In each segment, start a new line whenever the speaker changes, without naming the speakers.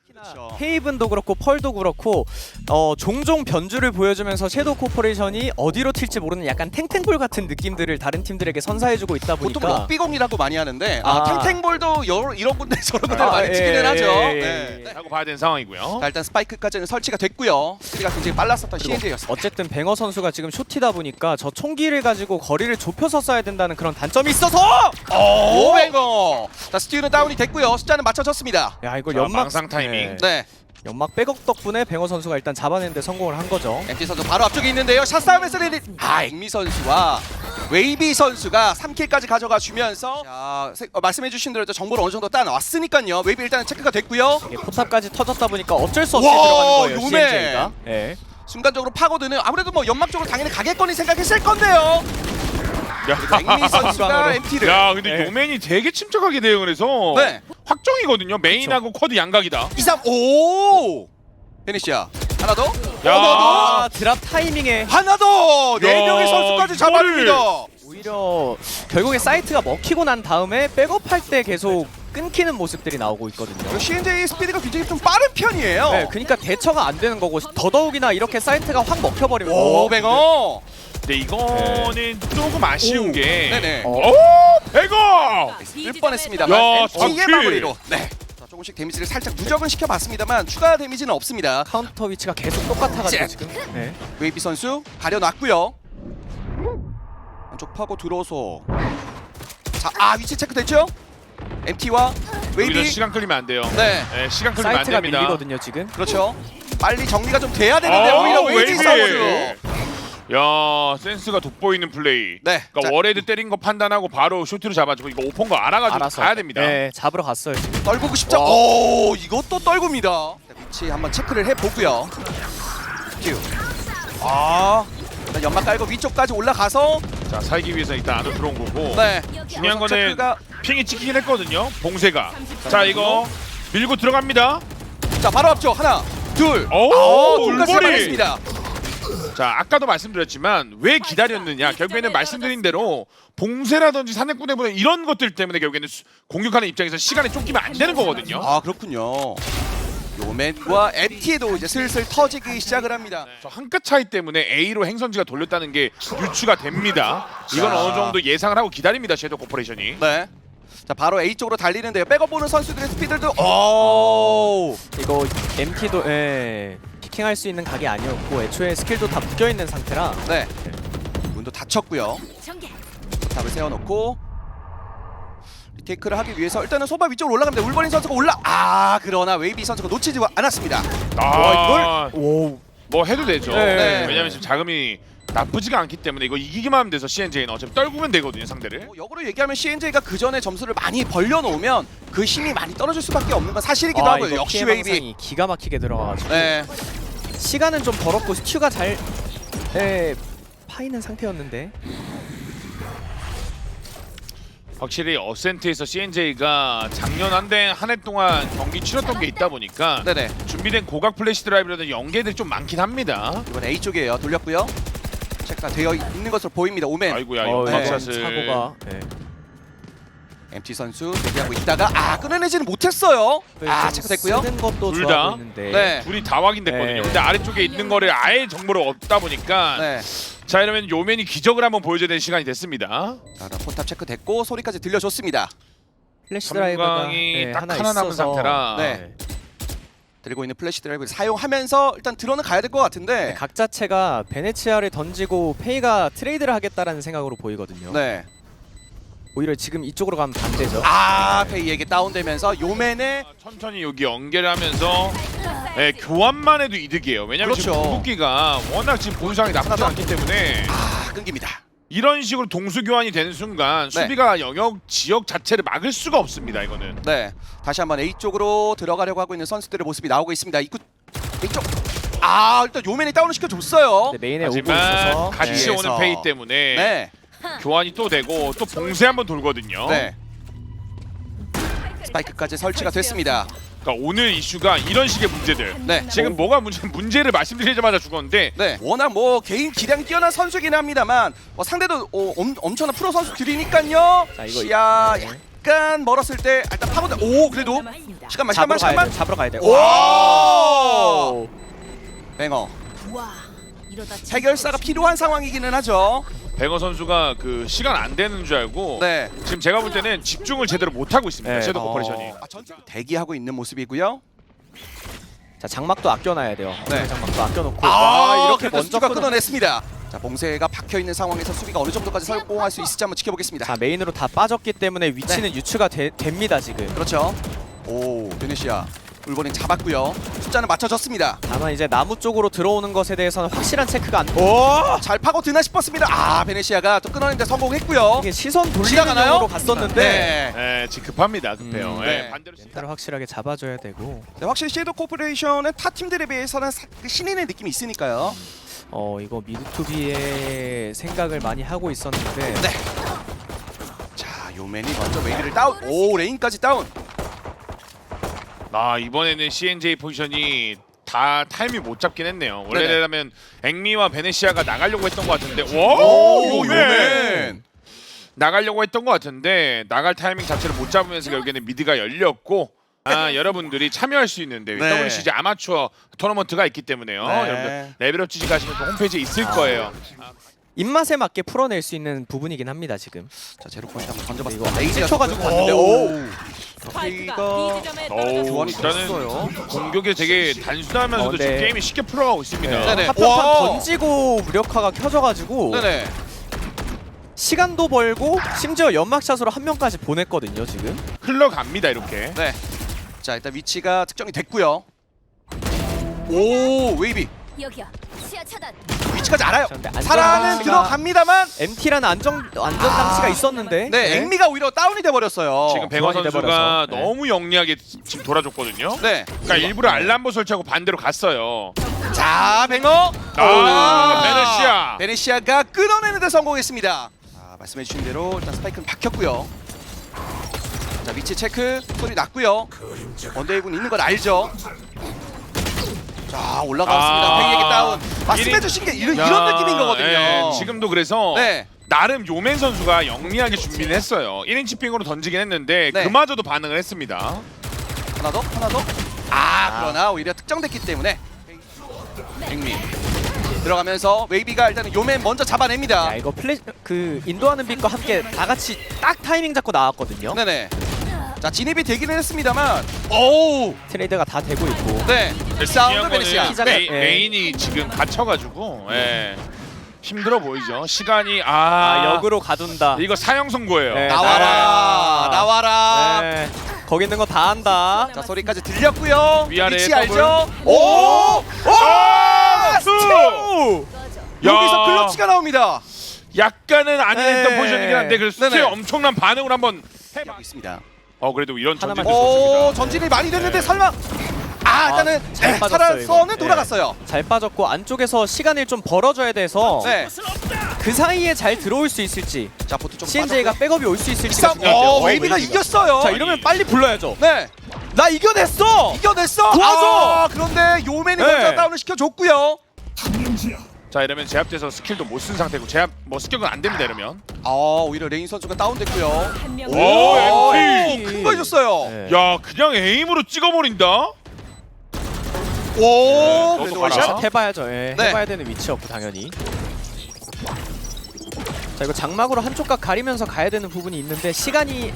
그렇죠.
헤이븐도 그렇고 펄도 그렇고 종종 변주를 보여주면서 섀도우 코퍼레이션이 어디로 튈지 모르는 약간 탱탱볼 같은 느낌들을 다른 팀들에게 선사해주고 있다
보통
보니까
럭비공이라고 많이 하는데
아.
탱탱볼도 이런 군데 저런 군데 많이 치기는 하죠. 네.
하고 봐야 되는 상황이고요.
자, 일단 스파이크까지는 설치가 됐고요. 스피드가 굉장히 빨랐었던 CNJ였습니다.
어쨌든 뱅어 선수가 지금 쇼티다 보니까 저 총기를 가지고 거리를 좁혀서 쏴야 된다는 그런 단점이 있어서
오뱅어. 자, 스티우는 다운이 됐고요. 숫자는 맞춰졌습니다.
야 이거
자,
연막
망상 타이밍.
네.
연막 백업 덕분에 뱅어 선수가 일단 잡아내는데 성공을 한 거죠.
MT 선수 바로 앞쪽에 있는데요. 샷 싸움에서 앵미 선수와 웨이비 선수가 3킬까지 가져가 주면서 말씀해주신 대로 정보를 어느 정도 따놨으니까요. 웨이비 일단은 체크가 됐고요.
이게 포탑까지 터졌다 보니까 어쩔 수 없이
와,
들어가는 거예요.
요맨.
CNJ가. 네.
순간적으로 파고드는 아무래도 뭐 연막 쪽으로 당연히 가겠거니 생각했을 건데요. 앵미 선수가 MT를.
야, 근데
네.
요맨이 되게 침착하게 대응을 해서
네.
확정이거든요. 메인하고 쿼드 양각이다.
2-3 오. 페니시아 하나 더.
야.
아 드랍 타이밍에
하나 더. 네
야,
명의 선수까지
이거를.
잡아줍니다.
오히려 결국에 사이트가 먹히고 난 다음에 백업할 때 계속 끊기는 모습들이 나오고 있거든요.
CNJ 스피드가 굉장히 좀 빠른 편이에요.
네, 그러니까 대처가 안 되는 거고 더더욱이나 이렇게 사이트가 확 먹혀버리면
오뱅어.
근데 이거는 조금 아쉬운
오.
게
네네.
오! 백업!
쓸 뻔했습니다만
야,
MT의
바퀴.
마무리로. 네. 자, 조금씩 데미지를 살짝 누적은 시켜봤습니다만 추가 데미지는 없습니다.
카운터 위치가 계속 똑같아가지고
잭.
지금. 네.
웨이비 선수 가려놨고요. 안쪽 파고 들어서 자, 위치 체크 됐죠? MT와
여기서
웨이비.
시간 끌리면 안 돼요.
네,
네, 시간 끌리면 안
사이트가
됩니다.
밀리거든요 지금.
그렇죠. 빨리 정리가 좀 돼야 되는데 오히려 웨이비 선수.
야, 센스가 돋보이는 플레이.
네.
그러니까
자,
워레드 때린 거 판단하고 바로 쇼트를 잡아주고 이거 오픈 거 알아가지고
알아서
가야 됩니다.
네, 잡으러 갔어요 지금.
떨구고 싶죠? 오, 이것도 떨굽니다. 자, 위치 한번 체크를 해보고요. 큐. 일단 연막 깔고 위쪽까지 올라가서
자, 살기 위해서 일단 안으로 들어온 거고.
네.
중요한
들어서
거는
체크가
핑이 찍히긴 했거든요. 봉쇄가. 자, 이거 밀고 들어갑니다.
자, 바로 앞쪽 하나, 둘.
오,
둘까지
울버리.
잡아냈습니다.
자, 아까도 말씀드렸지만 왜 기다렸느냐. 결국에는 말씀드린 대로 봉쇄라든지 산맥군대보다 이런 것들 때문에 결국에는 공격하는 입장에서 시간이 쫓기면 안 되는 거거든요.
아, 그렇군요. 요맨과 MT도 이제 슬슬 터지기 시작을 합니다.
저 한 끗 차이 때문에 A로 행선지가 돌렸다는 게 유추가 됩니다. 이건
자.
어느 정도 예상을 하고 기다립니다. 섀도우 코퍼레이션이.
네. 자, 바로 A 쪽으로 달리는데요. 백업 보는 선수들의 스피드도 오.
이거 MT도 피킹할 수 있는 각이 아니었고 애초에 스킬도 다 묶여 있는 상태라.
네. 문도 닫혔고요. 답을 세워놓고 리테이크를 하기 위해서 일단은 소바 위쪽으로 올라갑니다. 울버린 선수가 그러나 웨이비 선수가 놓치지 않았습니다.
아,
오.
뭐 해도 되죠.
네.
왜냐면 지금 자금이 나쁘지가 않기 때문에 이거 이기기만 하면 돼서 CNJ는 어차피 떨구면 되거든요, 상대를.
역으로 얘기하면 CNJ가 그 전에 점수를 많이 벌려놓으면 그 힘이 많이 떨어질 수밖에 없는 건 사실이기도 하고요.
이거
역시
피해
웨이비.
방상이 기가 막히게 들어가가지고
네.
시간은 좀 벌었고 스튜가 잘 파이는 상태였는데.
확실히 어센트에서 CNJ가 작년 한 해 동안 경기 치렀던 게 있다 보니까
네네.
준비된 고각 플래시 드라이브라든지 연계들이 좀 많긴 합니다.
이번 A 쪽이에요. 돌렸고요. 체크가 되어 있는 것으로 보입니다. 오맨.
아이고야,
이번
연막샷을.
사고가.
MT 선수 대기하고 있다가 끊어내지는 못했어요. 체크됐고요.
쓰는 것도
둘
좋아
다?
보이는데.
네.
둘이 다 확인됐거든요.
네.
근데 아래쪽에 있는 거를 아예 정보를 얻다 보니까
네.
자, 이러면 요맨이 기적을 한번 보여줘야 되는 시간이 됐습니다.
자, 포탑 체크됐고 소리까지 들려줬습니다.
플래시 드라이브가
삼광이 딱
하나
하나 남은
있어서.
상태라.
네. 들고 있는 플래시 드라이브를 사용하면서 일단 들어는 가야 될 것 같은데.
각 자체가 베네치아를 던지고 페이가 트레이드를 하겠다라는 생각으로 보이거든요.
네.
오히려 지금 이쪽으로 가면 반대죠.
페이에게 다운되면서 요맨의
천천히 여기 연계를 하면서 교환만 해도 이득이에요. 왜냐면 지금
그렇죠.
궁극기가 워낙 지금 본상이 나쁘지 않기 때문에
끊깁니다.
이런 식으로 동수 교환이 되는 순간
네.
수비가 영역 지역 자체를 막을 수가 없습니다. 이거는.
네. 다시 한번 A 쪽으로 들어가려고 하고 있는 선수들의 모습이 나오고 있습니다. 입구 A 쪽. 일단 요맨이 다운을 시켜줬어요.
네, 메인에 오고
하지만
있어서
같이
네.
오는 페이 때문에
네.
교환이 또 되고 또 봉쇄 한번 돌거든요.
네. 스파이크까지 설치가 됐습니다.
그러니까 오늘 이슈가 이런 식의 문제들.
네.
지금 뭐가 문제를 말씀드리자마자 죽었는데
네. 워낙 뭐 개인 기량이 뛰어난 선수긴 합니다만 상대도 엄청난 프로 선수들이니까요.
자, 이거
시야
네.
약간 멀었을 때 일단 파고들. 오 그래도 시간만
잡으러 가야
시간만.
돼. 잡으러 가야 돼.
오! 뱅어
와, 이러다
해결사가 필요한 상황이기는 하죠.
뱅어 선수가 그 시간 안 되는 줄 알고
네.
지금 제가 볼 때는 집중을 제대로 못 하고 있습니다.
네.
섀도우 코퍼레이션이.
대기하고 있는 모습이고요.
자 장막도 아껴놔야 돼요.
네.
장막도 아껴놓고.
이렇게
이렇게
먼저
먼저
끊어냈습니다. 자 봉쇄가 박혀 있는 상황에서 수비가 어느 정도까지 성공할 수 있을지 한번 지켜보겠습니다.
자 메인으로 다 빠졌기 때문에 위치는 유추가 됩니다 지금.
그렇죠. 오 베네시아 울버린 잡았고요. 숫자는 맞춰졌습니다.
다만 이제 나무 쪽으로 들어오는 것에 대해서는 확실한 체크가 안. 오!
잘 파고드나 싶었습니다. 아 베네시아가 또 끊어내는데 성공했고요.
이게 시선 돌리는
지나가나요?
쪽으로 갔었는데
네.
네, 지금 급합니다. 급해요.
네.
네, 반대로
멘탈을 확실하게 잡아줘야 되고.
네, 확실히 섀도우 코퍼레이션은 타 팀들에 비해서는 신인의 느낌이 있으니까요.
이거 미드투비의 생각을 많이 하고 있었는데.
네. 자 요맨이 먼저 웨이비를 다운. 오 레인까지 다운.
이번에는 CNJ 포지션이 다 타이밍 못 잡긴 했네요.
네네.
원래라면 앵미와 베네시아가 나가려고 했던 것 같은데
오
요맨!
요맨.
나가려고 했던 것 같은데 나갈 타이밍 자체를 못 잡으면서 결국에는 미드가 열렸고 여러분들이 참여할 수 있는데
네.
WCG 아마추어 토너먼트가 있기 때문에요.
네.
여러분들 레벨업 지지 가시면 또 홈페이지에 있을 거예요.
입맛에 맞게 풀어낼 수 있는 부분이긴 합니다 지금.
자 제로 포인트 한번 던져봤어.
이거
레이지가
스쳐가지고
갔는데
갔는데,
스파이크가
이거
B 지점에
어우,
교환이
일단은
됐어요.
공격이 되게 단순하면서도
네.
지금 게임이 쉽게 풀어가고 있습니다.
네.
네네.
합격판
와.
던지고 무력화가 켜져가지고
네네.
시간도 벌고 심지어 연막샷으로 한 명까지 보냈거든요 지금.
흘러갑니다 이렇게.
네. 자 일단 위치가 특정이 됐고요. 오 웨이비
여기야. 시야 차단.
위치까지 알아요.
그런데 안전
살아는
장치가-
들어갑니다만
MT라는 안전 장치가 있었는데.
네 앵미가 오히려 다운이 돼버렸어요.
지금 뱅어
교환이
선수가
돼버려서. 네.
너무 영리하게 지금 돌아줬거든요.
네.
그러니까 일부러 알람보 설치하고 반대로 갔어요.
자 뱅어.
베네시아.
베네시아가 끊어내는데 성공했습니다. 말씀해주신 대로 일단 스파이크는 박혔고요. 자 위치 체크 소리 났고요. 언더웨이군 있는 걸 알죠. 자 올라갔습니다. 페이에게 다운. 말씀해주신 게 이런 느낌인 거거든요.
네, 지금도 그래서
네.
나름 요맨 선수가 영리하게 준비를 했어요. 1인치 핑으로 던지긴 했는데
네.
그마저도 반응을 했습니다.
하나 더 하나 더. 그러나 오히려 특정됐기 때문에 앵미 들어가면서 웨이비가 일단은 요맨 먼저 잡아냅니다.
야 이거 그 인도하는 빛과 함께 다 같이 딱 타이밍 잡고 나왔거든요.
네네. 자 진입이 되기는 했습니다만 오우
트레이드가 다 되고 있고.
네 사운드 베네시아.
메인이 지금 갇혀가지고 힘들어 보이죠. 시간이
역으로 가둔다.
이거 사형 선고예요.
네.
나와라 나와라.
네. 거기 있는 거 다 한다.
자 소리까지 들렸고요.
위아래
위치
더블.
알죠?
오!
오!
여기서 클러치가 나옵니다.
약간은 아니했던
네.
포지션이긴 한데 그래서 스틸
네네.
엄청난 반응을 한번
하고 있습니다.
그래도 이런
하나만
전진도
오
좋습니다.
전진이 많이 됐는데
네.
설마 일단은
잘 빠졌어요,
살아서는
이거.
돌아갔어요.
잘 빠졌고 안쪽에서 시간을 좀 벌어줘야 돼서
네.
그 사이에 잘 들어올 수 있을지
자 보트 좀
CNJ가 백업이 올 수 있을지가
싸움.
중요한데요.
웨이비가 이겼어요.
자 이러면 빨리 불러야죠.
네.
나 이겨냈어.
이겨냈어.
도와줘!
그런데 요맨이
네.
먼저 다운을 시켜줬고요.
자 이러면 제압돼서 스킬도 못 쓴 상태고 제압 습격은 안 됩니다 이러면.
오히려 레인 선수가 다운됐고요.
한 명.
오, MP!
큰거 해줬어요.
네.
야 그냥 에임으로 찍어버린다.
오
너도
그래도
봐라.
원샷.
해봐야죠. 예.
네.
해봐야 되는 위치였고 당연히. 자 이거 장막으로 한쪽 각 가리면서 가야 되는 부분이 있는데 시간이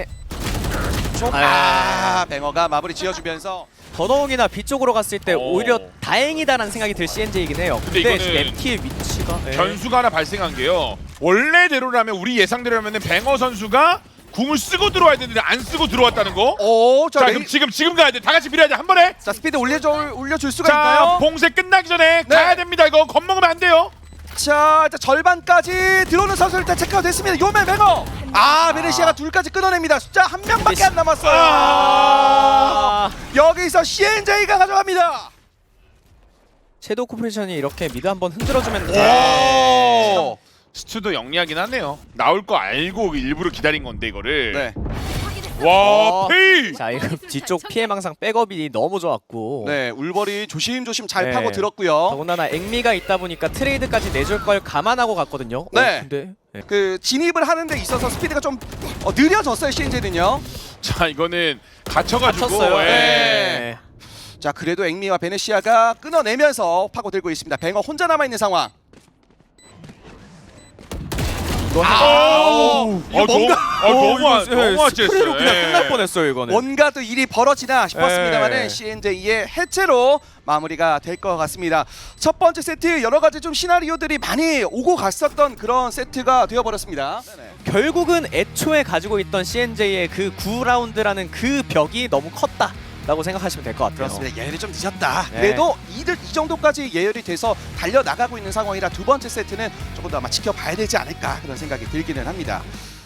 뱅어가 마무리 지어주면서
더더욱이나 B 쪽으로 갔을 때
오.
오히려 다행이다라는 생각이 들 CNJ이긴 해요.
근데
근데
이거는
지금 MT의 위치가
변수가 하나 발생한 게요. 원래대로라면 우리 예상대로라면 뱅어 선수가 궁을 쓰고 들어와야 되는데 안 쓰고 들어왔다는 거.
자
자
레인,
그럼 지금 가야 돼. 다 같이 밀어야 돼. 한 번에.
자 스피드 올려줄 수가
자
있나요?
봉쇄 끝나기 전에
네.
가야 됩니다. 이거 겁먹으면 안 돼요.
자 일단 절반까지 들어오는 선수 일단 체크가 됐습니다. 요맨 뱅어. 베네시아가 둘까지 끊어냅니다. 숫자 한 명밖에 안 남았어요. 여기서 CNJ가 가져갑니다.
섀도우 코퍼레이션이 이렇게 미드 한번 흔들어주면
오.
스튜도 영리하긴 하네요. 나올 거 알고 일부러 기다린 건데 이거를.
네.
와 페이.
자 이거 뒤쪽 피해 망상 백업이 너무 좋았고
네, 울버리 조심조심 잘
네.
파고 들었고요.
더군다나 앵미가 있다 보니까 트레이드까지 내줄 걸 감안하고 갔거든요.
네.
근데
그 진입을 하는 데 있어서 스피드가 좀 느려졌어요, CNJ는요.
자 이거는 갇혀가지고
갇혔어요.
예.
네.
자, 그래도 앵미와 베네시아가 끊어내면서 파고들고 있습니다. 뱅어 혼자 남아있는 상황.
너무
스프레이로
아찔했어요.
그냥
예.
끝날 뻔했어요 이거는.
뭔가 또 일이 벌어지나 싶었습니다만은
네.
CNJ의 해체로 마무리가 될 것 같습니다. 첫 번째 세트 여러 가지 좀 시나리오들이 많이 오고 갔었던 그런 세트가 되어버렸습니다.
결국은 애초에 가지고 있던 CNJ의 그 9라운드라는 그 벽이 너무 컸다라고 생각하시면 될 것 같아요.
그렇습니다. 예열이 좀 늦었다.
네.
그래도 이 정도까지 예열이 돼서 달려나가고 있는 상황이라 두 번째 세트는 조금 더 아마 지켜봐야 되지 않을까 그런 생각이 들기는 합니다.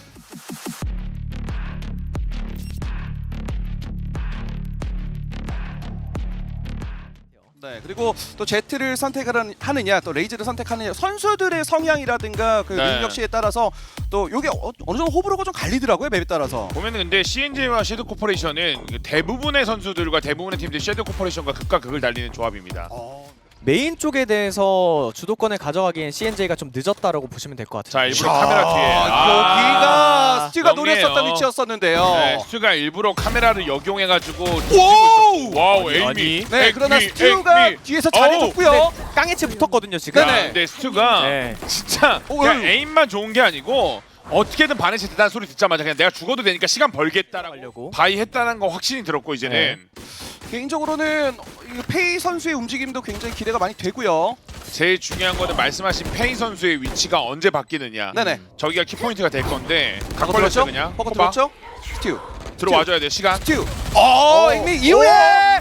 네, 그리고 또 제트를 선택하느냐 또 레이즈를 선택하느냐 선수들의 성향이라든가 그
네.
능력치에 따라서 또 이게 어느 정도 호불호가 좀 갈리더라고요, 맵에 따라서.
보면은 근데 CNJ와 섀도우 코퍼레이션은 대부분의 선수들과 대부분의 팀들이 섀도우 코퍼레이션과 극과 극을 달리는 조합입니다.
메인 쪽에 대해서 주도권을 가져가기엔 CNJ가 좀 늦었다라고 보시면 될 것 같아요.
자 일부러 카메라 뒤에
여기가 스튜가
영리해요.
노렸었던 위치였었는데요.
네, 스튜가 일부러 카메라를 역용해가지고
오!
와우 에이미.
아니.
네, 그러나 스튜가 뒤에서 잘해줬고요.
깡해치 붙었거든요 지금.
네네.
근데 스튜가
네.
진짜
오,
그냥
오.
에임만 좋은 게 아니고 어떻게든 바네시 대단한 소리 듣자마자 그냥 내가 죽어도 되니까 시간 벌겠다라고
하려고.
바이 했다는 거 확신이 들었고 이제는
개인적으로는 이 페이 선수의 움직임도 굉장히 기대가 많이 되고요.
제일 중요한 거는 말씀하신 페이 선수의 위치가 언제 바뀌느냐.
네네.
저기가 키포인트가 될 건데 각
버거
벌렸죠
들었죠?
그냥.
버거
호박.
들었죠? 스튜.
들어와줘야 돼 시간.
스튜. 앵미 이후에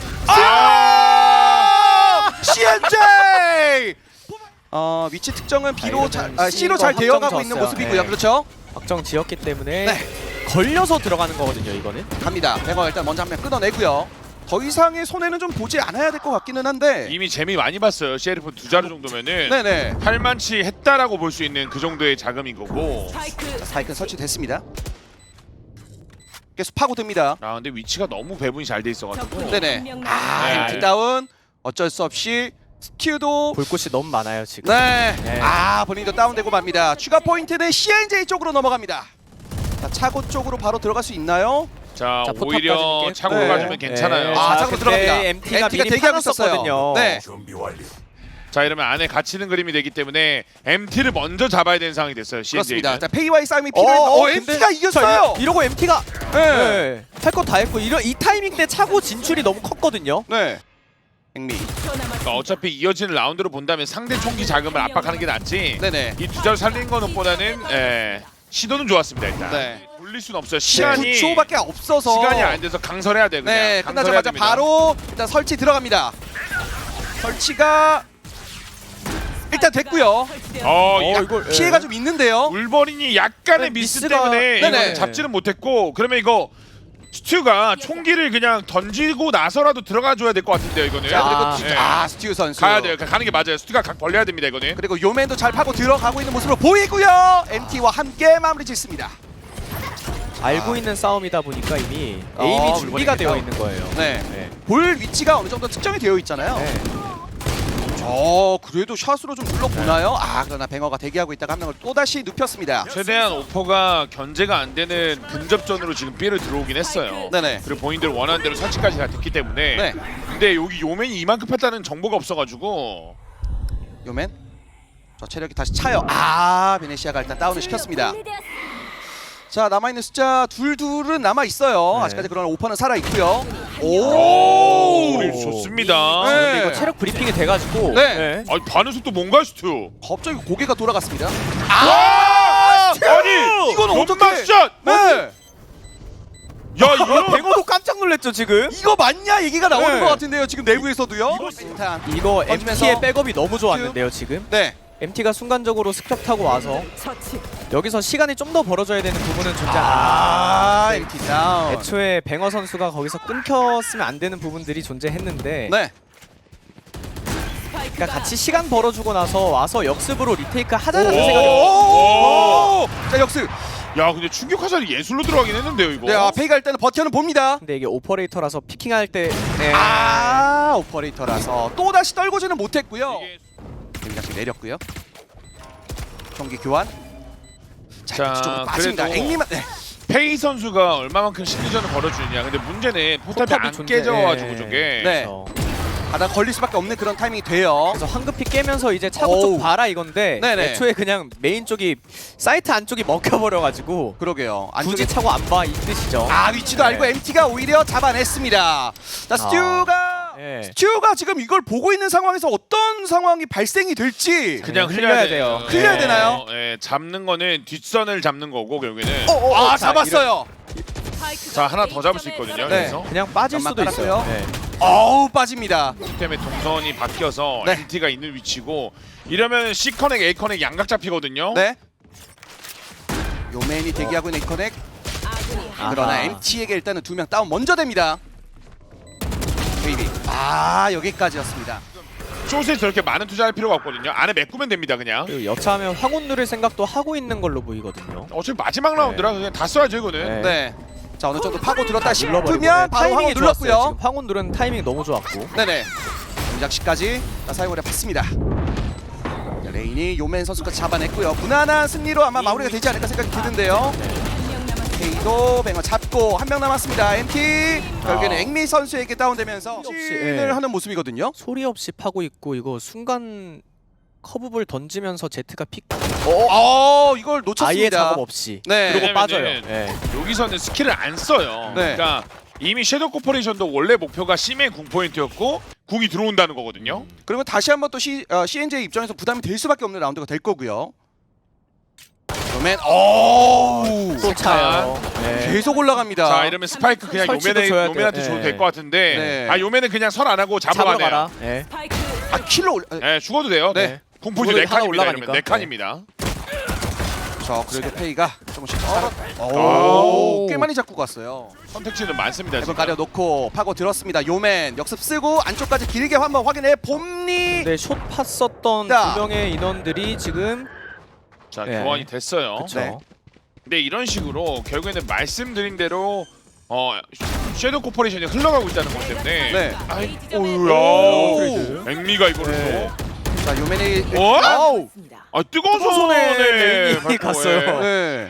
CNJ. 위치 특정은 B로
이거는
C로
C로
잘 되어가고
확정
있는
졌어요.
모습이고요.
네.
그렇죠?
확정 지었기 때문에
네.
걸려서 들어가는 거거든요 이거는.
갑니다. 뱅어 일단 먼저 한 명 끊어내고요. 더 이상의 손해는 좀 보지 않아야 될 것 같기는 한데.
이미 재미 많이 봤어요. 셰리프 두 자루 정도면은
네네.
할만치 했다라고 볼 수 있는 그 정도의 자금인 거고.
스파이크 설치됐습니다. 계속 파고듭니다.
아 근데 위치가 너무 배분이 잘 돼 있어가지고.
네네.
네.
MT 다운. 어쩔 수 없이 스튜도.
볼 곳이 너무 많아요 지금.
네.
네.
본인도 다운되고 맙니다. 추가 포인트는 CNJ 쪽으로 넘어갑니다. 자, 차고 쪽으로 바로 들어갈 수 있나요?
자
자,
오히려
포탑까지는
차고로
네.
가주면 괜찮아요.
네.
차고로
그때
들어갑니다.
MT가 미리
대기하고 있었어요.
팔았었거든요.
네.
자 이러면 안에 갇히는 그림이 되기 때문에 MT를 먼저 잡아야 되는 상황이 됐어요.
그렇습니다.
CNJ는.
자, 페이와의 싸움이 필요해요. MT가 이겼어요.
이러고 MT가
네.
할 거 다 했고 이 타이밍 때 차고 진출이 너무 컸거든요.
네. 앵미.
그러니까 어차피 이어지는 라운드로 본다면 상대 총기 자금을 압박하는 게 낫지.
네네.
이 두 자루 살리는 거는 보다는 시도는 좋았습니다 일단.
네.
돌릴 수는 없어요. 시간이
9초밖에 없어서.
시간이 안 돼서 강설해야 돼 그냥.
네,
강설해야
끝나자마자
됩니다.
바로 일단 설치 들어갑니다. 설치가 일단 됐고요.
이거
피해가 좀 있는데요.
울버린이 약간의
네,
미스
미스가-
때문에
네네.
이거는 잡지는 못했고 그러면 이거 스튜가 총기를 그냥 던지고 나서라도 들어가 줘야 될 것 같은데요 이거는.
자, 그리고
네.
스튜 선수.
가야 돼요. 가는 게 맞아요. 스튜가 각 벌려야 됩니다 이거는.
그리고 요맨도 잘 파고 들어가고 있는 모습으로 보이고요. MT와 함께 마무리 짓습니다.
알고 있는 싸움이다 보니까 이미
어,
에임이 준비가
물건이니까.
되어 있는 거예요.
네.
네.
볼 위치가 어느 정도 특정이 되어 있잖아요.
네.
그래도 샷으로 좀 눌러보나요? 그러나 뱅어가 대기하고 있다가 한 명을 또다시 눕혔습니다.
최대한 오퍼가 견제가 안 되는 근접전으로 지금 B를 들어오긴 했어요.
네네.
그리고 본인들 원하는 대로 설치까지 다 됐기 때문에.
네.
근데 여기 요맨이 이만큼 했다는 정보가 없어가지고.
요맨. 체력이 다시 차요. 베네시아가 일단 다운을 시켰습니다. 자, 남아있는 숫자 둘은 남아있어요.
네.
아직까지 그러나 오퍼는 살아있고요.
우리 좋습니다.
네.
근데 이거 체력 브리핑이 돼가지고
네.
아니 반응 속도 뭔가 스튜.
갑자기 고개가 돌아갔습니다.
아니
이건 어떻게?
연막샷!
네.
야 이거
뱅어도 깜짝 놀랐죠 지금.
이거 맞냐 얘기가 나오는
네.
것 같은데요. 지금 내부에서도요. 일단
이거
던지면서
MT의 백업이 너무 좋았는데요 지금.
네.
MT가 순간적으로 습격 타고 와서 여기서 시간이 좀 더 벌어져야 되는 부분은 존재.
MT 다운.
애초에 뱅어 선수가 거기서 끊겼으면 안 되는 부분들이 존재했는데
네.
그러니까 같이 시간 벌어주고 나서 와서 역습으로 리테이크 하자는 생각이
오! 자, 역습.
야 근데 충격 화살이 예술로 들어가긴 했는데요 이거.
네, 페이가 일단은 버텨는 봅니다.
근데 이게 오퍼레이터라서 피킹할 때 네.
오퍼레이터라서 또 다시 떨고지는 못했고요.
이게
굉장히 내렸고요. 총기 교환. 자, 뒤쪽으로 빠집니다.
그래도
앵리만 네.
페이 선수가 얼마만큼 심리전을 걸어주느냐. 근데 문제는 포탑이 안
포탑이
깨져가지고
존재-
저게.
네.
그래서,
바닥 걸릴 수밖에 없는 그런 타이밍이 돼요.
그래서 황급히 깨면서 이제 차고
어우.
쪽 봐라 이건데
네네.
애초에 그냥 메인 쪽이 사이트 안쪽이 먹혀버려가지고
그러게요.
굳이
안쪽에
차고 안 봐 이 뜻이죠.
아 위치도
네.
알고 MT가 오히려 잡아냈습니다. 자 스튜가
네.
스튜가 지금 이걸 보고 있는 상황에서 어떤 상황이 발생이 될지
그냥
흘려야
흘려야
돼요.
돼요.
흘려야 되나요?
예, 잡는 거는 뒷선을 잡는 거고 결국에는.
아
자,
잡았어요.
자, 하나 더 잡을 수 있거든요.
네.
그래서
그냥 빠질
연막
수도 있어요.
깔았고요.
네.
어우 빠집니다.
때문에 동선이 바뀌어서
네.
MT가 있는 위치고 이러면 C 커넥, A 커넥 양각 잡히거든요.
네. 요맨이 대기하고 있는 이커넥. 그러나
아하.
MT에게 일단은 2명 다운 먼저 됩니다. 베이비. 아 여기까지였습니다.
숏에 저렇게 많은 투자할 필요가 없거든요. 안에 메꾸면 됩니다 그냥.
그리고 여차하면 황혼 누를 생각도 하고 있는 걸로 보이거든요.
어차피 마지막 라운드라 그냥 다 써야죠 이거는.
네.
네. 자 어느 정도 파고 들었다
눌러버리고.
싶으면 바로
타이밍이
황혼
좋았어요.
눌렀고요.
지금 황혼 누른 타이밍 너무 좋았고.
네네. 동작시까지 사용을 해봤습니다. 자, 레인이 요맨 선수가 잡아냈고요. 무난한 승리로 아마 마무리가 되지 않을까 생각이 드는데요. 케이도 뱅어 잡고 한 명 남았습니다. MT 결국에는 앵미 선수에게 다운되면서
없이,
을
예.
하는 모습이거든요.
소리 없이 파고 있고 이거 순간 커브볼 던지면서 제트가 픽
이걸
아예
놓쳤습니다.
작업 없이
네.
그리고
왜냐면은
빠져요. 네.
여기서는 스킬을 안 써요.
네.
그러니까 이미 섀도우 코퍼레이션도 원래 목표가 C맨 궁 포인트였고 궁이 들어온다는 거거든요.
그리고 다시 한번 또 CNJ 입장에서 부담이 될 수밖에 없는 라운드가 될 거고요. 요맨
또 차요. 네.
계속 올라갑니다.
자 이러면 스파이크 그냥
설치도 줘야 돼요.
요맨한테 줘도
네.
될 것 같은데
네.
아 요맨은 그냥 설 안 하고
잡으러
잡아가네요.
가라. 네.
아 킬로 올려.
네, 죽어도 돼요.
네.
궁 포인트
죽어도
4칸입니다.
하나
이러면
올라가니까.
4칸입니다.
자 그래도 페이가 조금씩 살아.
오.
꽤 많이 잡고 갔어요.
선택지는 많습니다.
한번
지금.
가려놓고 파고 들었습니다. 요맨 역습 쓰고 안쪽까지 길게 한번 확인해 봄니.
근데 숏 팠었던
자.
2명의 인원들이 지금
자
네.
교환이 됐어요.
그쵸.
네.
근데 이런 식으로 결국에는 말씀드린 대로 섀도우 코퍼레이션이 흘러가고 있다는 것 때문에
네.
아이,
오.
오우야 앵미가 이거를
네.
자 요맨이
어?
아우.
아 뜨거운
뜨거운
손에
손에 앵미
밟고,
갔어요.
예.
네.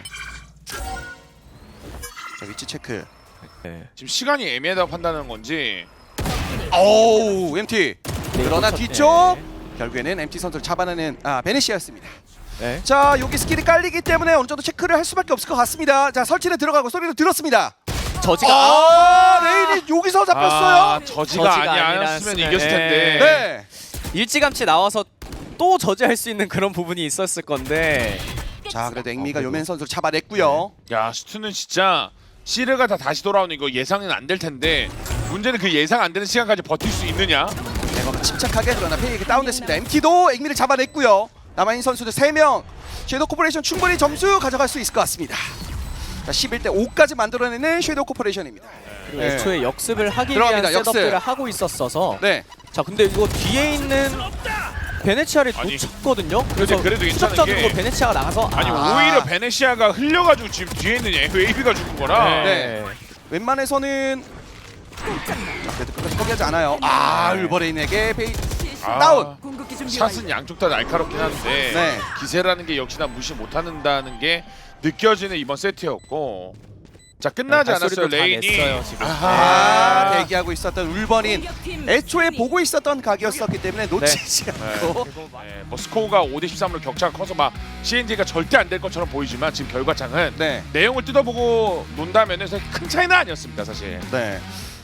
자 위치 체크.
네.
지금 시간이 애매하다고 판단하는 건지
오우 MT. 그러나
네,
뒤쪽 결국에는 MT 선수를 잡아내는 베네시아였습니다.
네.
자 여기 스킬이 깔리기 때문에 어느 정도 체크를 할 수밖에 없을 것 같습니다. 자 설치는 들어가고 소리도 들었습니다.
저지가
레인이 여기서 잡혔어요.
저지가
저지가
아니었으면
아니었으면,
이겼을 텐데
네.
일찌감치 나와서 또 저지할 수 있는 그런 부분이 있었을 건데
자 그래도 앵미가 요맨 선수를 잡아냈고요.
야 스투는 진짜 시르가 다 다시 돌아오는 이거 예상은 안 될 텐데 문제는 그 예상 안 되는 시간까지 버틸 수 있느냐.
네버가 침착하게 그러나 페이에게 다운됐습니다. MT도 앵미를 잡아냈고요. 남아있는 선수들 3명. 섀도우 코퍼레이션 충분히 점수 가져갈 수 있을 것 같습니다. 자 11대 5까지 만들어내는 섀도우 코퍼레이션입니다.
그리고
네.
애초에 역습을 하기
들어갑니다,
위한
역습.
셋업들을 하고 있었어서
네.
자 근데 이거 뒤에 있는 베네치아를
아니,
놓쳤거든요. 그래서
그래도 괜찮은
추적자들도
게
베네치아가 나가서
아니
아.
오히려 베네시아가 흘려가지고 지금 뒤에 있는 웨이비가 죽은 거라.
네. 웬만해서는 자 그래도 끝까지 포기하지 않아요. 울버레인에게 페이 다운.
샷은 양쪽 다 날카롭긴 한데
네.
기세라는 게 역시나 무시 못한다는 게 느껴지는 이번 세트였고 자 끝나지
네,
않았어요
발소리도 다
레인이.
냈어요, 지금.
아하.
대기하고 있었던 울버린 애초에 보고 있었던 각이었었기 때문에 놓치지 않고
네, 뭐 스코어가 5대 13으로 격차가 커서 막 CNJ가 절대 안 될 것처럼 보이지만 지금 결과창은
네.
내용을 뜯어보고 논다면 사실 큰 차이는 아니었습니다 사실.
네.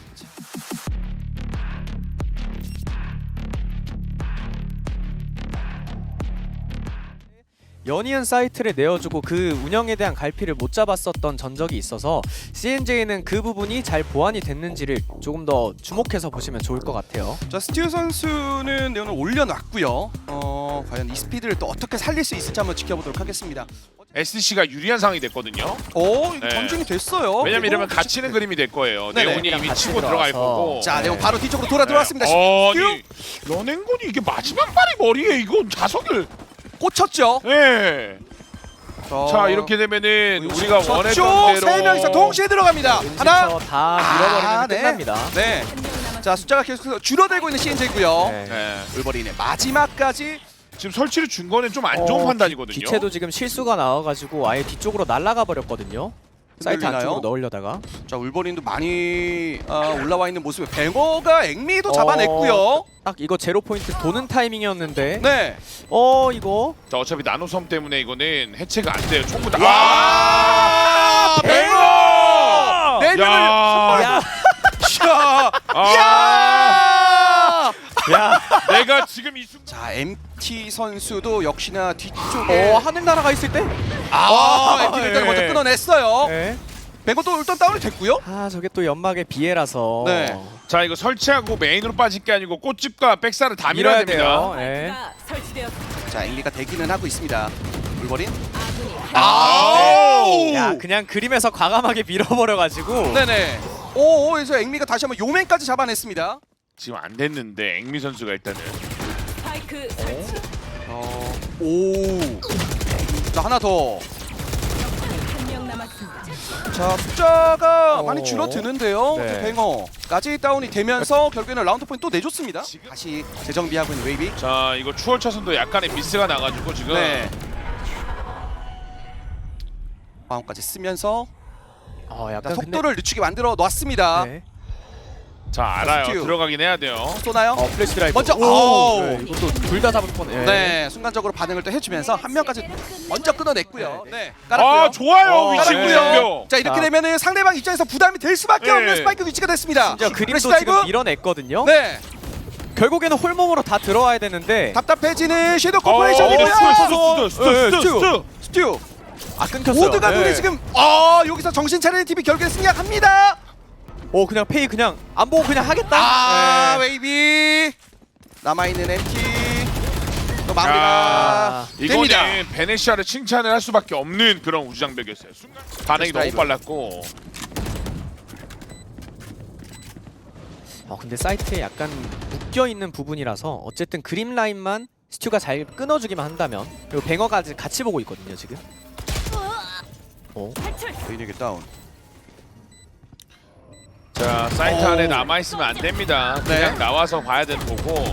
연이은 사이트를 내어주고 그 운영에 대한 갈피를 못 잡았었던 전적이 있어서 CNJ는 그 부분이 잘 보완이 됐는지를 조금 더 주목해서 보시면 좋을 것 같아요.
자 스튜 선수는 내용을 올려놨고요. 과연 이 스피드를 또 어떻게 살릴 수 있을지 한번 지켜보도록 하겠습니다.
SDC가 유리한 상황이 됐거든요.
이거
네.
전중이 됐어요.
왜냐면 이러면
그리고
갇히는 그림이 될 거예요.
네네.
네온이 이미
같이
치고 들어갈
들어가서.
거고.
자 내용 바로 뒤쪽으로 돌아 들어왔습니다.
아니 연행군이 이게 마지막 발이 머리에 이거 자석을.
꽂혔죠.
네. 자 이렇게 되면은 우리가 원했던 대로
세 명이서 동시에 들어갑니다. 하나.
은신처 다 밀어버리면
네.
끝납니다.
네. 자 숫자가 계속 줄어들고 있는 CNJ고요.
네.
네.
울버린의 마지막까지
지금 설치를 준 거는 좀 안 좋은 판단이거든요.
기체도 지금 실수가 나와가지고 아예 뒤쪽으로 날아가 버렸거든요. 사이트
흔들리나요?
안쪽으로 넣으려다가.
자 울버린도 많이 올라와 있는 모습에 뱅어가 앵미도 잡아냈고요.
딱 이거 제로 포인트 도는 타이밍이었는데.
네.
이거.
자, 어차피 나노섬 때문에 이거는 해체가 안 돼요. 총구 다.
와! 뱅어! 네 명을
야!
야,
야!
야.
내가 지금 이 순간
자 MT 선수도 역시나 뒤쪽에
하늘 날아가 있을 때.
MT를 일단
예.
먼저 끊어냈어요.
네.
뱅어도 일단 다운이 됐고요.
저게 또 연막의 비애라서.
네.
자, 이거 설치하고 메인으로 빠질 게 아니고 꽃집과 백사를 다
밀어야
밀어야 됩니다.
돼요. 네.
스파이크가 설치되었습니다.
자 앵리가 대기는 하고 있습니다. 울버린.
아군이
아우!
야, 그냥 그림에서 과감하게 밀어버려가지고.
네네. 그래서 앵미가 다시 한번 요맨까지 잡아냈습니다.
지금 안 됐는데 앵미 선수가 일단은
스파이크 설치.
자 하나 더.
한 명 남았습니다.
자 숫자가
어.
많이 줄어드는데요.
네.
뱅어까지 다운이 되면서 결국에는 라운드 포인트 또 내줬습니다. 다시 재정비하고 있는 웨이비.
자, 이거 추월 차선도 약간의 미스가 나가지고 지금
네. 마음까지 쓰면서
약간
속도를 늦추게 만들어 놨습니다.
근데, 네.
자, 알아요.
스튜.
들어가긴 해야 돼요.
쏘나요?
플래시 드라이브.
먼저,
오!
아우!
네, 이것도 둘 다 잡을 뻔.
네, 순간적으로 반응을 또 해주면서 한 명까지 먼저 끊어냈고요. 네, 깔았고요.
아, 좋아요. 위치
깔았고요.
공격.
자 이렇게
자.
되면은 상대방 입장에서 부담이 될 수밖에
네.
없는 스파이크 위치가 됐습니다.
진짜 그림도
플래시
지금
다이브.
밀어냈거든요.
네,
결국에는 홀몸으로 다 들어와야 되는데.
답답해지는 섀도우
어,
코퍼레이션이고요.
스튜.
스튜.
끊겼어요.
모두가
네.
눈이 지금 여기서 정신 차리는 팀이 결국에 승리합니다.
그냥 페이 그냥 안 보고 그냥 하겠다. 네.
웨이비 남아있는 MT 또 마무리가
야,
됩니다.
이거는 베네시아를 칭찬을 할 수밖에 없는 그런 우주장벽이었어요. 순간 반응이 너무
드라이브.
빨랐고.
근데 사이트에 약간 묶여 있는 부분이라서 어쨌든 그림 라인만 스튜가 잘 끊어주기만 한다면. 그리고 뱅어가 같이 보고 있거든요 지금.
탈출.
베인에게 다운.
자, 사이트 안에 남아 있으면 안 됩니다.
네.
그냥 나와서 봐야 되는 거고.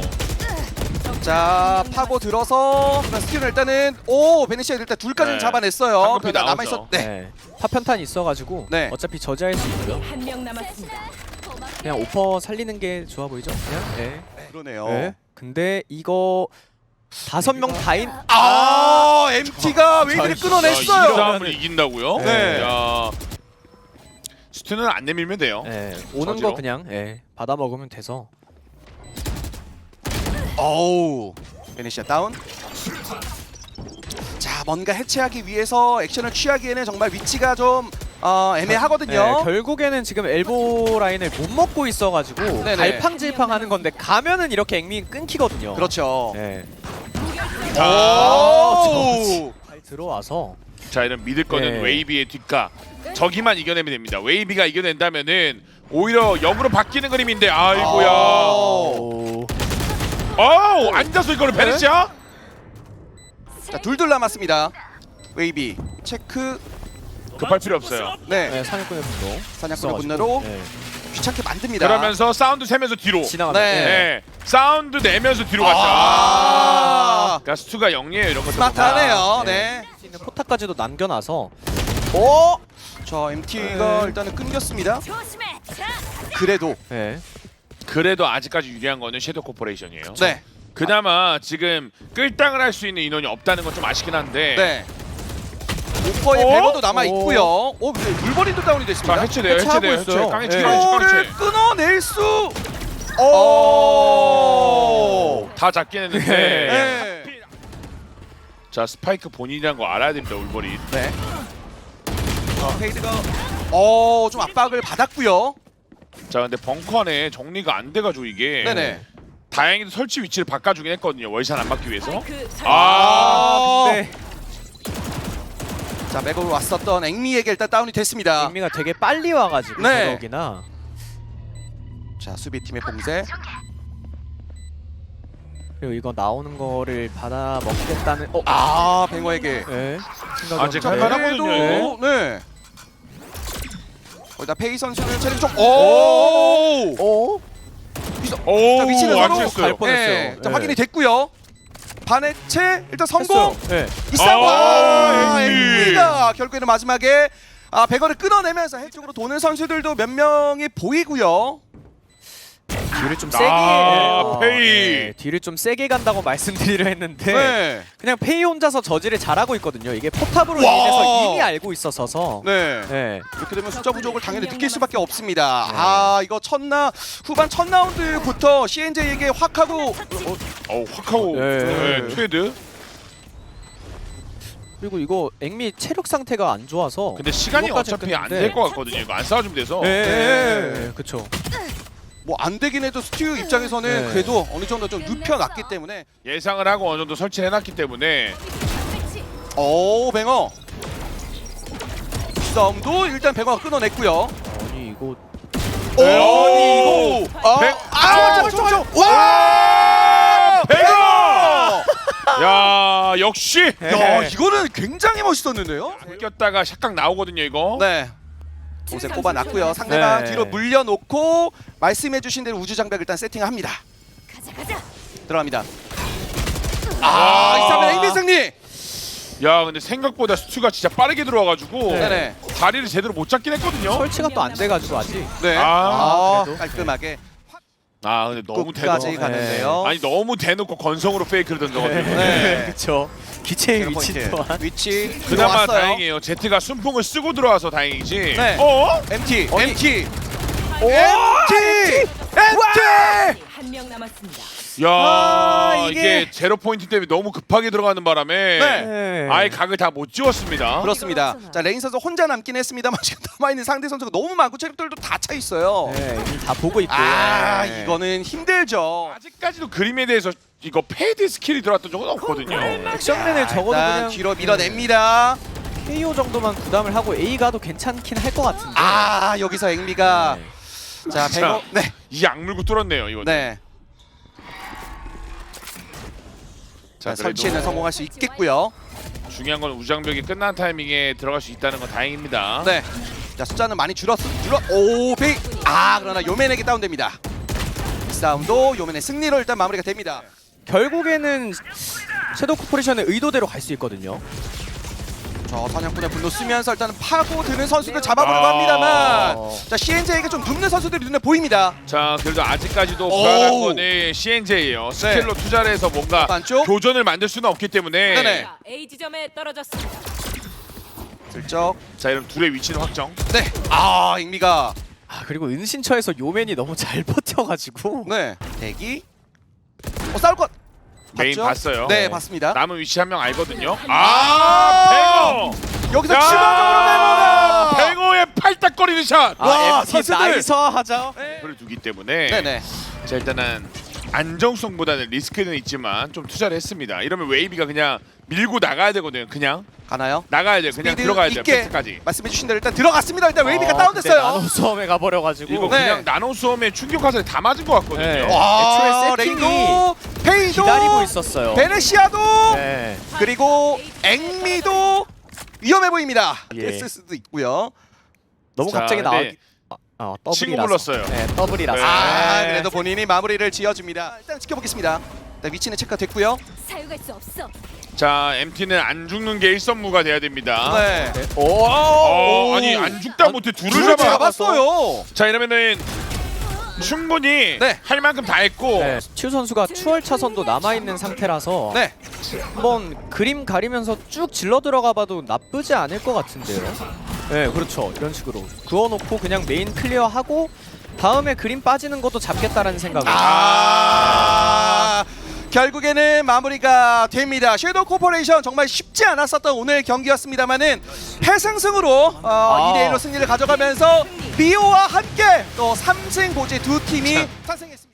자 파고 들어서 스티븐 일단은 베네시아 일단 둘까지는
네.
잡아냈어요.
한급히
그러나
나오죠.
남아있었. 네.
네. 파편탄 있어가지고
네.
어차피 저지할 수 있고요.
한 명 남았습니다.
그냥 오퍼 살리는 게 좋아 보이죠? 그냥. 네.
그러네요.
네. 근데 이거 5명 다인.
MT가 웨이비를
이
끊어냈어요.
싸움을 이긴다고요?
네.
야, 스튜는 안 내밀면 돼요.
네. 오는
저지로?
거 그냥 받아 먹으면 돼서.
베네시아 다운. 자 뭔가 해체하기 위해서 액션을 취하기에는 정말 위치가 좀 애매하거든요.
네, 결국에는 지금 엘보 라인을 못 먹고 있어가지고
네네.
갈팡질팡하는 건데 가면은 이렇게 앵미 끊기거든요.
그렇죠.
네. 잘 들어와서.
자, 이런 믿을 거는
네.
웨이비의 뒷가. 저기만 이겨내면 됩니다. 웨이비가 이겨낸다면은 오히려 역으로 바뀌는 그림인데 아이고야.
오.
앉아서 이거를 베네시아?
자 둘둘 남았습니다. 웨이비 체크.
급할 필요 없어요.
네,
네, 사냥꾼의 분노.
사냥꾼의 분노로
네.
귀찮게 만듭니다.
그러면서 사운드 세면서 뒤로.
지나가다.
네.
네. 사운드 내면서 뒤로 갔죠. 그러니까 스투가 영리해요 이런 것들.
스마트하네요.
네.
네.
수 있는 포탑까지도 남겨놔서.
자 MT가 일단은 끊겼습니다.
조심해. 자,
그래도
네.
그래도 아직까지 유리한 거는 섀도우 코퍼레이션이에요.
네,
그나마 지금 끌당을 할 수 있는 인원이 없다는 건 좀 아쉽긴 한데.
네. 오퍼의
어?
배너도 남아 있고요. 근데 물버린도 다운이
자,
됐습니다.
해체돼요.
해체하고
해체돼요.
있어요.
깡해
네.
치기 깡해
이거를
치.
끊어낼 수.
다 잡긴 했는데.
네.
자, 스파이크 본인이란 거 알아야 됩니다. 울버린.
네. 페이드가 좀 압박을 받았고요.
자, 근데 벙커 안에 정리가 안 돼가지고 이게.
네네.
다행히도 설치 위치를 바꿔주긴 했거든요. 월샷 안 맞기 위해서.
스파이크 설치.
근데
자 맥으로 왔었던 앵미에게 일단 다운이 됐습니다.
앵미가 되게 빨리 와가지고
네.
더더욱이나.
자 수비팀의 봉쇄.
그리고 이거 나오는 거를 받아 먹겠다는.
뱅어에게.
네.
아직
자
할 만하거든요,
그래도 네. 거기다 페이 선수를 체력 좀.
오.
자, 위치는 서로
맞췄어요.
갈 뻔했어요.
네. 자
네.
확인이 됐고요. 반해체 일단 성공.
네.
이싸움.
아,
엠비가 결국에는 마지막에 백어를 끊어내면서 해쪽으로 도는 선수들도 몇 명이 보이고요.
뒤를 좀 세게
페이.
뒤를 좀 세게 간다고 말씀드리려 했는데
네.
그냥 페이 혼자서 저지를 잘하고 있거든요. 이게 포탑으로
와.
인해서 이미 알고 있어서
네.
네.
이렇게 되면 숫자 부족을 당연히 느낄 수밖에 없습니다. 이거 후반 첫 라운드부터 CNJ에게 확 하고
확 하고
네.
트레이드.
그리고 이거 앵미 체력 상태가 안 좋아서
근데 시간이
그것까지
어차피 안
끝났는데.
될 것 같거든요. 이거 안 싸워주면 돼서.
네. 그렇죠.
뭐 안 되긴 해도 스튜 입장에서는
네.
그래도 어느 정도 좀 눕혀놨기 때문에
예상을 하고 어느 정도 설치해놨기 때문에
오 뱅어 싸움도 일단 뱅어가 끊어냈고요.
아니 이거
오 와
뱅어! 야 역시
야 이거는 굉장히 멋있었는데요.
꼈다가 샷각 나오거든요 이거.
네. 공세 꼽아놨고요. 상대방
네.
뒤로 물려놓고 말씀해주신 대로 우주 장벽 일단 세팅합니다.
가자.
들어갑니다. 이 싸움은 앵비 승리.
야 근데 생각보다 스투가 진짜 빠르게 들어와가지고
네네.
다리를 제대로 못 잡긴 했거든요.
설치가 또 안 돼가지고 아직.
네.
그래도.
깔끔하게
근데 너무
끝까지
대놓고
가는데요.
아니 너무 대놓고 건성으로 페이크를 던져가지고
네.
그렇죠. 기체의
제로
위치
포인트.
또한.
위치
그나마
들어왔어요.
다행이에요. 제트가 순풍을 쓰고 들어와서 다행이지.
네. MT
아니.
MT
MT.
MT
한 명 남았습니다.
야
이게-
이게 제로 포인트 때문에 너무 급하게 들어가는 바람에
네.
아예 각을 다 못 지웠습니다.
그렇습니다. 자 레인 선수 혼자 남긴 했습니다만 지금 남아있는 상대 선수가 너무 많고 체력들도 다 차 있어요.
네, 이미 다 보고 있고. 네.
이거는 힘들죠.
아직까지도 그림에 대해서 이거 페이드 스킬이 들어왔던 적은 없거든요.
액션맨을 적어도
일단
그냥
뒤로 밀어냅니다.
KO 정도만 부담을 하고 A 가도 괜찮긴 할 것 같은데.
여기서 앵미가 자 백어 네.
이 악물고 뚫었네요 이거.
네. 자
그래도
설치에는 성공할 수 있겠고요.
중요한 건 우장벽이 끝난 타이밍에 들어갈 수 있다는 건 다행입니다.
네. 자 숫자는 많이 줄어. 백. 그러나 요맨에게 다운됩니다. 이 싸움도 요맨의 승리로 일단 마무리가 됩니다.
결국에는 섀도우 코퍼레이션의 의도대로 갈 수 있거든요.
저 사냥꾼의 분노 쓰면서 일단은 파고드는 선수들 잡아보려고 합니다만 자 CNJ에게 좀 눕는 선수들이 눈에 보입니다.
자 그래도 아직까지도 불안한
오.
거는 CNJ예요. 스킬로 투자를 해서 뭔가
안쪽?
교전을 만들 수는 없기 때문에
네네.
A 지점에 떨어졌습니다.
슬쩍.
자 이러면 둘의 위치는 확정.
네. 잉미가
그리고 은신처에서 요맨이 너무 잘 버텨가지고.
네. 대기. 싸울 것.
메인
봤죠?
봤어요.
네, 봤습니다.
남은 위치 한 명 알거든요.
아,
뱅어!
여기서
야!
치명적으로 메모가.
뱅어의 팔딱거리는 샷!
와,
MT
선수들.
나이스 하자.
를 두기 때문에
네네.
자 일단은 안정성보다는 리스크는 있지만 좀 투자를 했습니다. 이러면 웨이비가 그냥 밀고 나가야 되거든요. 그냥
가나요?
나가야 돼요. 그냥
스피드
들어가야 돼요.
있게
패스까지.
말씀해주신 대로 일단 들어갔습니다. 일단 웨이비가
나노
다운됐어요.
수험에 가버려가지고.
이거
네.
그냥 나노 수험에 충격 화살이 다 맞은 것 같거든요.
네.
와,
애초에 세팅이
레인도, 페이도,
기다리고 있었어요.
베네시아도,
네.
그리고 앵미도 위험해 보입니다.
예.
됐을 수도 있고요.
너무
자,
갑자기
근데
더블이라서.
친구 불렀어요.
네, 더블이라서.
네.
그래도 본인이 마무리를 지어줍니다. 일단 지켜보겠습니다. 일단 위치는 체크됐고요.
사용할 수 없어.
자 MT는 안 죽는 게 일선무가 돼야 됩니다.
네.
오.
아니 안 죽다 못해 둘을
둘을
잡아.
잡았어요.
자 이러면은 충분히
네.
할 만큼 다 했고
네, 튜 선수가 추월 차선도 남아 있는 상태라서
네.
한번 그림 가리면서 쭉 질러 들어가봐도 나쁘지 않을 것 같은데요. 네, 그렇죠. 이런 식으로 그어놓고 그냥 메인 클리어하고 다음에 그림 빠지는 것도 잡겠다라는 생각으로.
결국에는 마무리가 됩니다. 섀도우 코퍼레이션 정말 쉽지 않았었던 오늘 경기였습니다만은 패승승으로 2대1로 승리를 가져가면서 리오와 함께 또 3승 고지 두 팀이 탄생했습니다.